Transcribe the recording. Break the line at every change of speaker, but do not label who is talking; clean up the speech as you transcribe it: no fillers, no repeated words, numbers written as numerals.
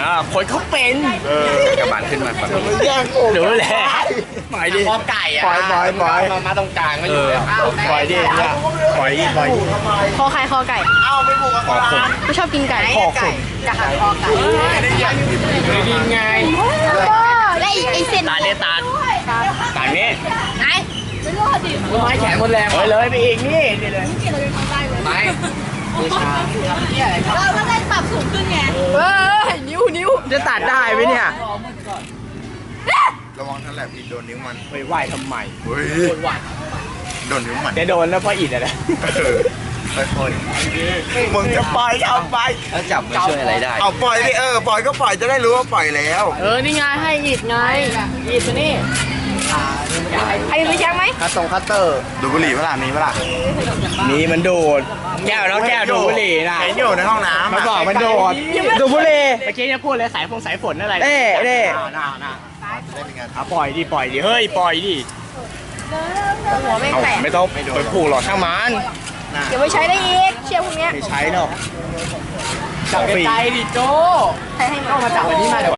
คนเขาเป็นกระบาดขึ้นมาฝั่งนี้
แย่งผม
รู้แหละปล่อยดิ
คอไก่อะ
ปล่อย
มาตรงกลางไม่อยู่เลย
ปล่อยดิเนี่ยปล่อยดิปล่อยดิ
คอใครคอไก่
เอ้าไม่บุกกับ
ขอคน
ไม่ชอบกินไก่
ขอคน
กะหาคอไก่
ยิงไง
และไอเส้น
ตาเนี่ยตาตานี้
ไหน
ไม้แขนหมดแรง
เฮ้ยเลยไปอีกนี่เลย
ไม้บูชา
เราก็ได้ปรับสูงขึ้นไงนิ้ว
จะตัดได้ไหมเนี่ย
ระวังท่านแหลมอินโดนนิ้วมัน
ไปไหวทำไม
เฮ้ยโดนนิ้วมัน
จะโดนแล้วเพราะอิดอะไร
ค่อยๆมึงจะปล่อยเอาไป
แล้วจับมันช่วยอะไรได้
เอาปล่อยดิปล่อยก็ปล่อยจะได้รู้ว่าปล่อยแล้ว
นี่ไงให้อิดไงอิดตัวนี้ใครรู้จักไหม
คัตเตอร์
ดูบุหรี่เปล่ามีเปล่า
มีมันโดดแก้วแล้วแก้วดูดบุหรี่นะ
เห็นอยู่ในห้องน้ำ
มันบอกมันโดดดูดบุหรี่เมื่อกี้จะพูดเลยสายฝนอะไรน่น่ปล่อยดิเฮ้ยปล่อยดิ
หัวไม่แตก
ไม่ต้องไปผูกหรอกช่างมัน
เดี๋ยวไปใช้ได้อีกเชือกพวกเนี้ย
ไม่ใช้หรอก
จับใจดิโจ
ใช้ให้มัน
มาจับอันนี้มาเดี๋ยว